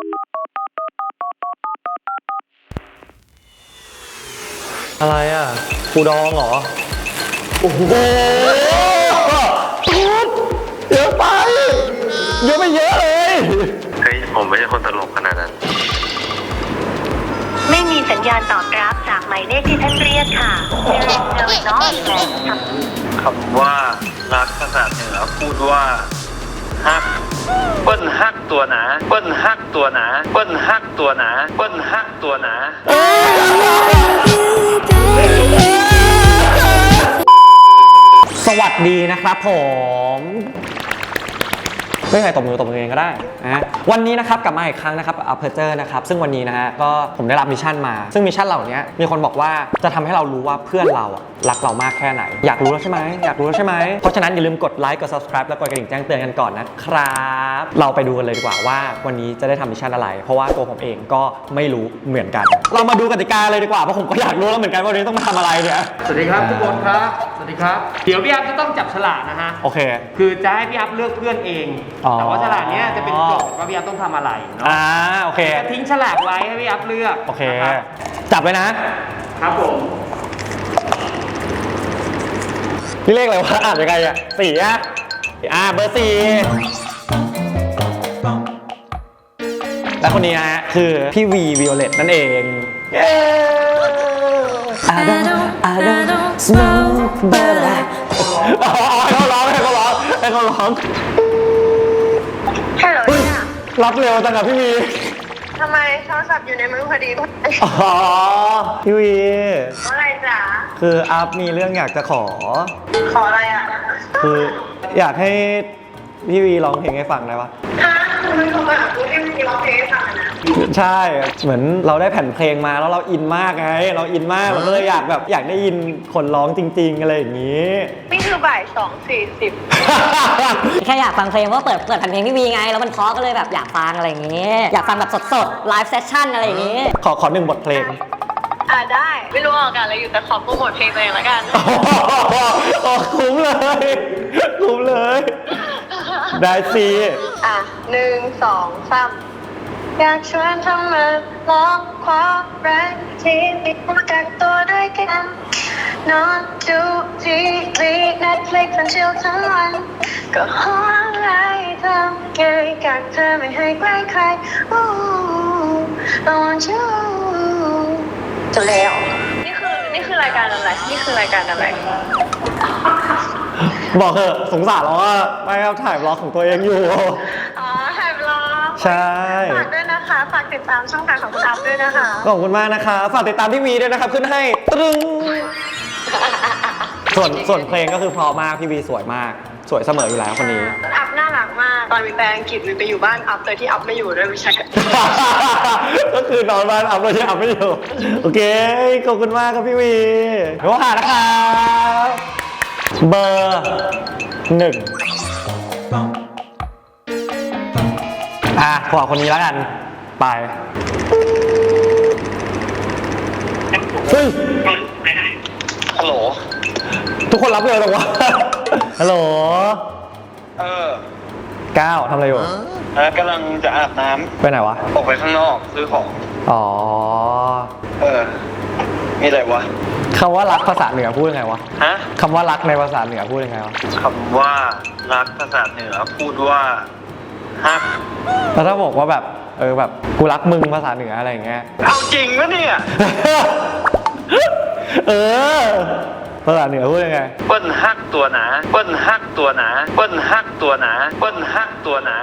อะไรอ่ะปูดองเหรอโอ้โหเยอะไปเยอะไปเยอะเลยเฮ้ยผมไม่ใช่คนตลกขนาดนั้นไม่มีสัญญาณตอบรับจากหมายเลขที่ท่านเรียกค่ะ There is no acknowledgement คำว่ารักภาษาเหนือพูดว่าฮักเปิ้นฮักตัวหนาเปิ้นฮักตัวหนาเปิ้นฮักตัวหนาเปิ้นฮักตัวหนาสวัสดีนะครับผมไม่ใครตบมือเองก็ได้นะวันนี้นะครับกลับมาอีกครั้งนะครับอัพเพอร์เจอร์นะครับซึ่งวันนี้นะฮะก็ผมได้รับมิชชั่นมาซึ่งมิชชั่นเหล่านี้มีคนบอกว่าจะทำให้เรารู้ว่าเพื่อนเราอะรักเรามากแค่ไหนอยากรู้แล้วใช่ไหมอยากรู้แล้วใช่ไหมเพราะฉะนั้นอย่าลืมกดไลค์กด subscribe แล้วกดกระดิ่งแจ้งเตือนกันก่อนนะครับเราไปดูกันเลยดีกว่าว่าวันนี้จะได้ทำมิชชั่นอะไรเพราะว่าตัวผมเองก็ไม่รู้เหมือนกันเรามาดูกติกาเลยดีกว่าเพราะผมก็อยากรู้แล้วเหมือนกันว่าวันนี้ต้องมาทำอะไรเนี่ยสวัสดีครับทุกคนครับสวัสดีครับเดี๋ยวพี่อัพจะต้องจับฉลากนะฮะโอเคคือจะให้พี่อัพเลือกเพื่อนเองแต่ว่าฉลากนี้จะเป็นโจทย์ว่าพี่อัพต้องทำอะไรเนาะโอเคจะทิ้งฉลากไว้ให้พี่อัพเลือกโอเคจับเลยนะครับผมนี่เลขอะไรวะอ่านยังไงอ่ะสี่เบอร์สี่และคนนี้นะฮะคือพี่วีวิโอเลตนั่นเองI don't smoke but I ให้เขาร้องฮัลโหลเนี่ยรับเร็วจังอะพี่วีทำไมโทรศัพท์อยู่ในมือพอดีพี่วีอะไรจ๊ะคืออัพมีเรื่องอยากจะขออะไรอ่ะคืออยากให้พี่วีร้องเพลงให้ฟังได้ปะมันโทรมาหากูให้มีร้องเพลงให้ฟังนะใช่เหมือนเราได้แผ่นเพลงมาแล้วเราอินมากไงเราอินมากเราก็เลยอยากได้ยินคนร้องจริงๆอะไรอย่างนี้นี่คือบ่าย 2:40 แค่อยากฟังเพลงเพราะเปิดแผ่นเพลงพี่วีไงแล้วมันเพราะก็เลยแบบอยากฟังอะไรอย่างนี้อยากฟังแบบสดๆไลฟ์เซสชั่นอะไรอย่างนี้ขอหนึ่งบทเพลงได้ไม่รู้ออกกันอะไรอยู่แต่ขอโปรโมทเพลงตัวเองแล้วกันคุ้มเลยได้สิ 1 2 3อยากชวนทำมาลองความรักที่มีมากักตัวด้วยกันนอนดูทีวี Netflix ทั้งชิลทั้งวันก็หออะไรทำไงกักเธอไม่ให้ใกล้ใคร I want you จบแล้วนี่คือรายการอะไรบอกเถอะสงสารเราว่าไม่ครับถ่ายบล็อกของตัวเองอยู่ถ่ายบล็อกใช่ฝากด้วยนะคะฝากติดตามช่องทางของคุณอัพด้วยนะคะขอบคุณมากนะคะฝากติดตามพี่วีด้วยนะครับขึ้นให้ตรึงส่วนเพลงก็คือเพราะมากพี่วีสวยมากสวยเสมออยู่แล้วคนนี้อัพน่ารักมากตอนมีแปลอังกฤษไปอยู่บ้านอัพโดยที่อัพไม่อยู่ด้วยไม่ใช่ก็คือนอนบ้านอัพโดยที่อัพไม่อยู่โอเคขอบคุณมากครับพี่วีโทรหานะครับเบอร์1ขอคนนี้แล้วกันไปฮัลโหลทุกคนรับเลยหรอวะฮัลโหลก้าวทำอะไรอยู่กำลังจะอาบน้ำไปไหนวะออกไปข้างนอกซื้อของมีอะไรวะคำว่ารักภาษาเหนือพูดยังไงวะคำว่ารักในภาษาเหนือพูดยังไงวะคำว่ารักภาษาเหนือพูดว่าฮักแล้วถ้าบอกว่าแบบแบบกูรักมึงภาษาเหนืออะไรอย่างเงี้ยเอาจริงปะเนี่ยภาษาเหนือพูดยังไงเปิ้นฮักตัวหนาเปิ้นฮักตัวหนาเปิ้นฮักตัวหนาเปิ้นฮักตัวหนา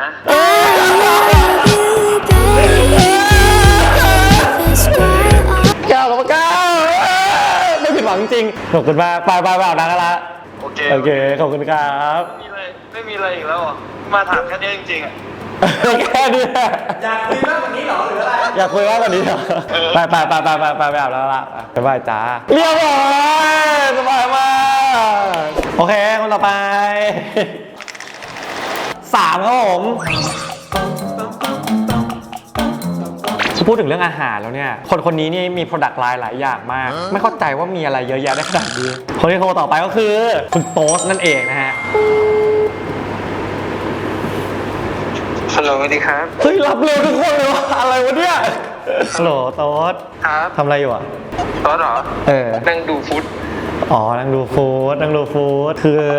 ก้าวไม่ผิดหวังจริงขอบคุณมากไปอาบน้ำกันละโอเคขอบคุณครับไม่มีอะไรอีกแล้วมาถามแค่นี้จริงๆแค่นี้อยากคุยมากกว่านี้เหรอหรืออะไรอยากคุยมากกว่านี้เหรอไปอาบแล้วละบ๊ายบายจ้าเรียบร้อยสบายมากโอเคคนต่อไป3ครับผมพูดถึงเรื่องอาหารแล้วเนี่ยคนนี้นี่มี product line หลายอย่างมากไม่เข้าใจว่ามีอะไรเยอะแยะได้ขนาดนี้คนที่โทรต่อไปก็คือคุณโต๊สนั่นเองนะฮะสฮัลโหลสวัสดีครับเฮ้ยรับเร็วทุกคนเลยวะอะไรวะเนี่ยฮัลโหลโต๊ดครับทำอะไรอยู่อ่ะตอนเหรอเออนั่งดูฟุตอ๋อนั่งดูฟู้ด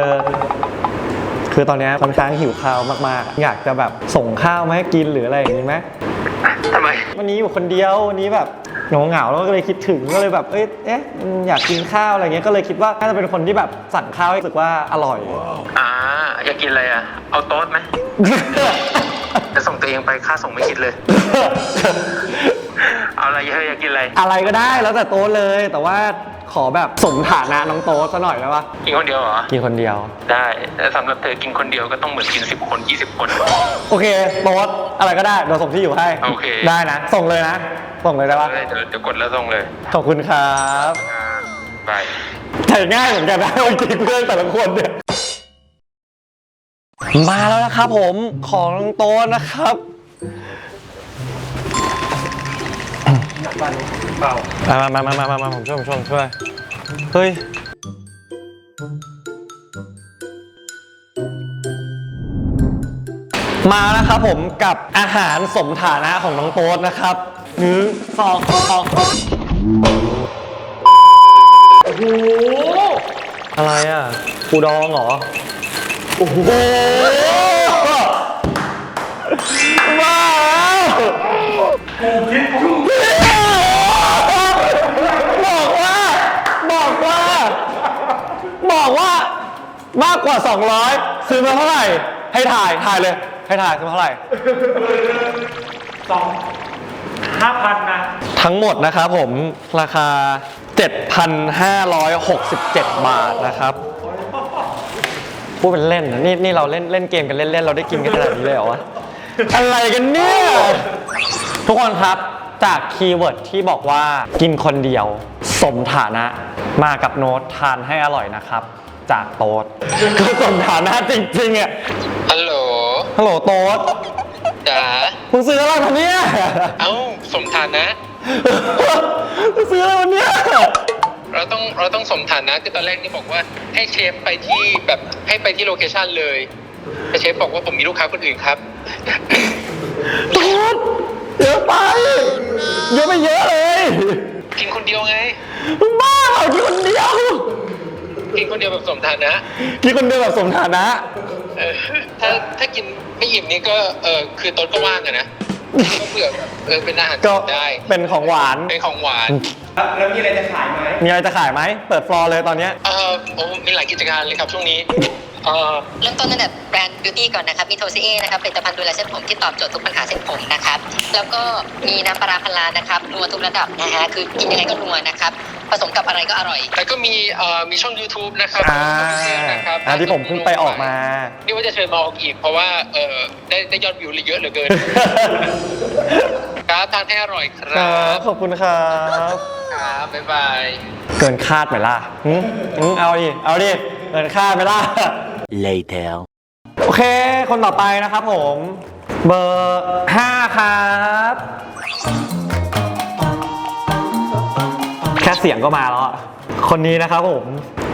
คือตอนนี้ค่อนข้างหิวข้าวมากๆอยากจะแบบส่งข้าวมาให้กินหรืออะไรอย่างนี้ไหมทำไมวันนี้อยู่คนเดียววันนี้แบบเหงาแล้วก็เลยคิดถึงก็เลยแบบอยากกินข้าวอะไรเงี้ยก็เลยคิดว่าน่าจะเป็นคนที่แบบสั่งข้าวให้รู้สึกว่าอร่อยอยากกินอะไรอ่ะ เอาโต๊ดไหม จะส่งตัวเองไปค่าส่งไม่คิดเลย เอาอะไรเฮ้ยอยากกินอะไรอะไรก็ได้แล้วแต่โต๊ะเลยแต่ว่าขอแบบสมฐานะน้องโต๊ะซะหน่อยได้ปะกินคนเดียวเหรอกินคนเดียวได้แต่สำหรับเธอกินคนเดียวก็ต้องเหมือนกิน10 คน 20 คนโอเคโต๊ะอะไรก็ได้เดี๋ยวส่งที่อยู่ให้โอเคได้นะส่งเลยนะส่งเลยได้ปะเดี๋ยวกดแล้วส่งเลยขอบคุณครับไปถ่ายง่ายเหมือนกันนะจริงๆเพื่อนแต่ละคนเนี่ยมาแล้วนะครับผมของน้องโต๊ะนะครับมาผมช่วยเฮ้ยมานะครับผมกับอาหารสมฐานะของน้องโต๊ดนะครับ1 2 3โอ้โหอะไรอ่ะปูดองเหรอโอ้โหว้าวบอกว่ามากกว่า200ซื้อมาเท่าไหร่ให้ถ่ายเลยให้ถ่ายซื้อมาเท่าไหร่ 5,000 นะทั้งหมดนะครับผมราคา 7,567 บาทนะครับพูดเป็นเล่นนะนี่เราเล่นเกมกันเล่นๆเราได้กินกันขนาดนี้เลยเหรอวะ อะไรกันเนี่ยทุกคนครับจากคีย์เวิร์ดที่บอกว่ากินคนเดียวสมฐานะมากับโน้ตทานให้อร่อยนะครับจากโต๊ดก็สมฐานะจริงๆอ่ะฮัลโหลฮัลโหลโต๊ดจ๋ามึงซื้ออะไรมาเนี่ยเอ้าสมฐานะมึงซื้ออะไรมาเนี่ยเราต้องสมฐานะคือตอนแรกนี่บอกว่าให้เชฟไปที่แบบให้ไปที่โลเคชั่นเลยแต่เชฟบอกว่าผมมีลูกค้าคนอื่นครับโต๊ดเยอะไปเยอะไปเยอะเลยกินคนเดียวไงมึงบ้าเหรอกินคนเดียวกินคนเดียวแบบสมฐานะกินคนเดียวแบบสมฐานะเออถ้ากินไม่อิ่มนี่ก็คือต้นก็ว่างอะนะก็เผื่อเป็นอาหารก็ได้เป็นของหวานเป็นของหวานแล้วมีอะไรจะขายไหมมีอะไรจะขายไหมเปิดฟลอร์เลยตอนเนี้ยมีหลายกิจการเลยครับช่วงนี้เริ่มต้นตั้งแต่แบรนด์บิวตี้ก่อนนะครับ มีโทซีเอนะครับผลิตภัณฑ์ดูแลเส้นผมที่ตอบโจทย์ทุกปัญหาเส้นผมนะครับ แล้วก็มีน้ำปลาร้าพันล้านนะครับนัวทุกระดับนะฮะ คือกินยังไงก็นัวนะครับ ผสมกับอะไรก็อร่อยแล้วก็มีช่อง YouTube นะครับ นะครับที่ผมเพิ่งไปออกมานี่ว่าจะเชิญมาออกอีกเพราะว่าได้ยอดวิวเยอะเหลือเกิน ครับทานให้อร่อยคครัรับ บขอบคุณครับครับบ๊ายบายเกินคาดไหมล่ะเอาดิเกินคาดไหมล่ะ Later. โอเค คนต่อไปนะครับผม เบอร์ 5 ครับ แค่เสียงก็มาแล้วอะคนนี้นะครับผม ไป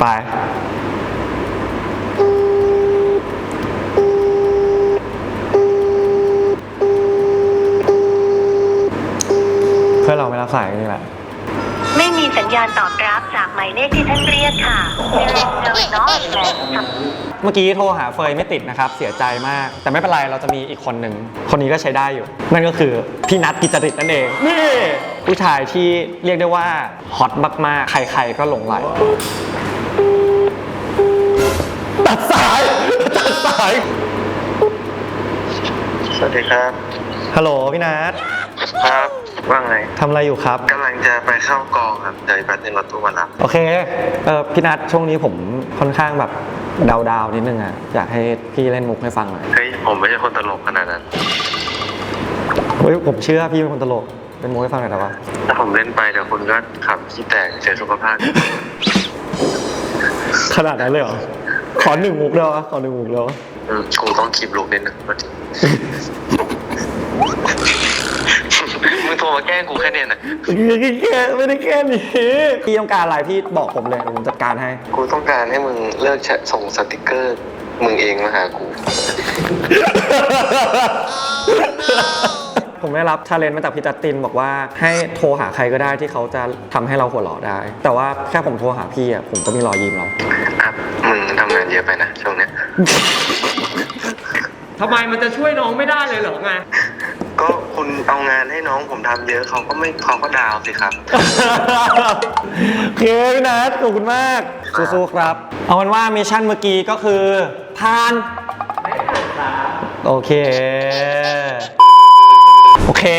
เพื่อนเราไม่รับสายกันนี่แหละไม่มีสัญญาณตอบรับจากหมายเลขที่ท่านเรียกค่ะ There is no acknowledgement เมื่อกี้โทรหาเฟยไม่ติดนะครับเสียใจมาก แต่ไม่เป็นไรเราจะมีอีกคนหนึ่งคนนี้ก็ใช้ได้อยู่ นั่นก็คือพี่นัทกิจจริตนั่นเองนี่ผู้ชายที่เรียกได้ว่าฮอตมากๆ ใครๆก็หลงไหลตัดสายสวัสดีครับฮัลโหลพี่นัทครับว่าไงทำอะไรอยู่ครับกำลังจะไปเข้ากองครับเดี๋ยวอีกแป๊บนึงรถตู้มารับโอเคพี่นัทช่วงนี้ผมค่อนข้างแบบดาวๆนิดนึงอ่ะอยากให้พี่เล่นมุกให้ฟังหน่อยเฮ้ยผมไม่ใช่คนตลกขนาดนั้นเฮ้ยผมเชื่อพี่เป็นคนตลกเป็นมุกให้ฟังหน่อยแต่ว่าถ้าผมเล่นไปเดี๋ยวคุณก็ขับขี้แตกเสียสุขภาพขนาดนั้นเลยเหรอขอ1 มุกเลยวะขอ1 มุกเลยวะกูต้องคีบลูกนิดนึงมึงโทรมาแกล้งกูแค่เนี้ยนะไม่ได้แค่นี้พี่ต้องการอะไรพี่บอกผมเลยเดี๋ยวผมจัดการให้กูต้องการให้มึงเลิกส่งสติกเกอร์มึงเองมาหากูผมได้รับชาเลนจ์มาจากพี่จัสตินบอกว่าให้โทรหาใครก็ได้ที่เขาจะทำให้เราหัวเราะได้ แต่ว่าแค่ผมโทรหาพี่อ่ะผมก็มีรอยยิ้มแล้วครับมึงทำงานเยอะไปนะช่วงเนี้ยทำไมมันจะช่วยน้องไม่ได้เลยเหรอไงก็คุณเอางานให้น้องผมทำเยอะเขาก็ดาวสิครับโอเคพี่นัทขอบคุณมากสู้ๆครับ เอาเป็นว่ามิชชั่นเมื่อกี้ก็คือผ่านโอเค โอเค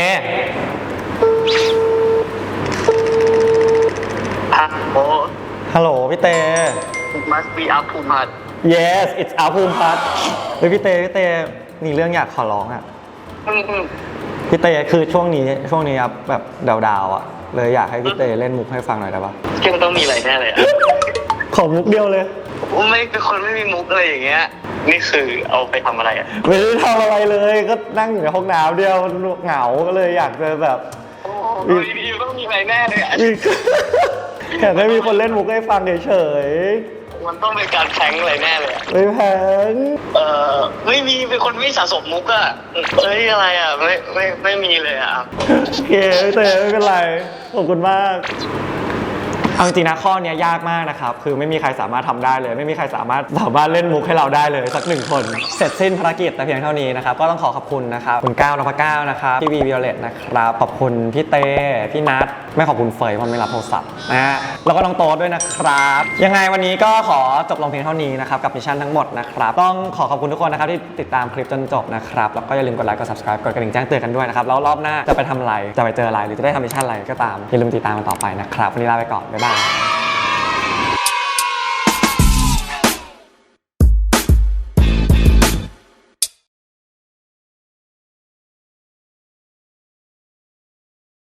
โอ้ฮัลโหลพี่เต must be up to much yes it's อาภูมิพัฒน์เฮ้ยพี่เตมีเรื่องอยากขอร้องอ่ะพี่เตคือช่วงนี้ครับแบบดาวๆอ่ะเลยอยากให้พี่เตเล่นมุกให้ฟังหน่อยได้ปะซึ่งต้องมีอะไรแน่เลยอะขอมุกเดียวเลยไม่เป็นคนไม่มีมุกอะไรอย่างเงี้ย นี่คือเอาไปทำอะไรอ่ะไม่ได้ทำอะไรเลยก็นั่งอยู่ในห้องน้ำเดียวเหงาก็เลยอยากจะแบบโอ้ยพี่ต้องมีอะไรแน่เลยอะอยากให้มีคนเล่นมุกให้ฟังเฉยมันต้องเป็นการแพร้งอะไรแน่เลยอะๆไม่แพงไม่มีเป็นคนไม่สะสมมุกอะเอ้ยอะไรอะไม่มีเลยอะโอเคพี่เตไม่เป็นไรขอบคุณมากเอาจริงๆนะข้อเนี้ยยากมากนะครับคือไม่มีใครสามารถทำได้เลย ไม่มีใครสามารถเล่นมุกให้เราได้เลยสักหนึ่งคนเสร็จสิ้นภารกิจแต่เพียงเท่านี้นะครับก็ต้องขอคุณนะครับคุณก้าวนพก้าวนะครับพี่วีวิโอเลตนะครับขอบคุณพี่เต้พี่นัทไม่ขอบคุณเฟยเพราะไม่รับโทรศัพท์นะฮะแล้วก็น้องโต๊ดด้วยนะครับยังไงวันนี้ก็ขอจบลงเพียงเท่านี้นะครับกับมิชชั่นทั้งหมดนะครับต้องขอบคุณทุกคนนะครับที่ติดตามคลิปจนจบนะครับแล้วก็อย่าลืมกดไลค์กด subscribe กดกระดิ่งแจ้งเตือนกันด้วยนะครับแล้วรอบหน้าจะไปทำอะไรจะไปเจออะไรหรือจะได้ทำมิชชั่นอะไรก็ตามอย่าลืมติดตามกันต่อไปนะครับวันนี้ลาไปก่อนบ๊ายบาย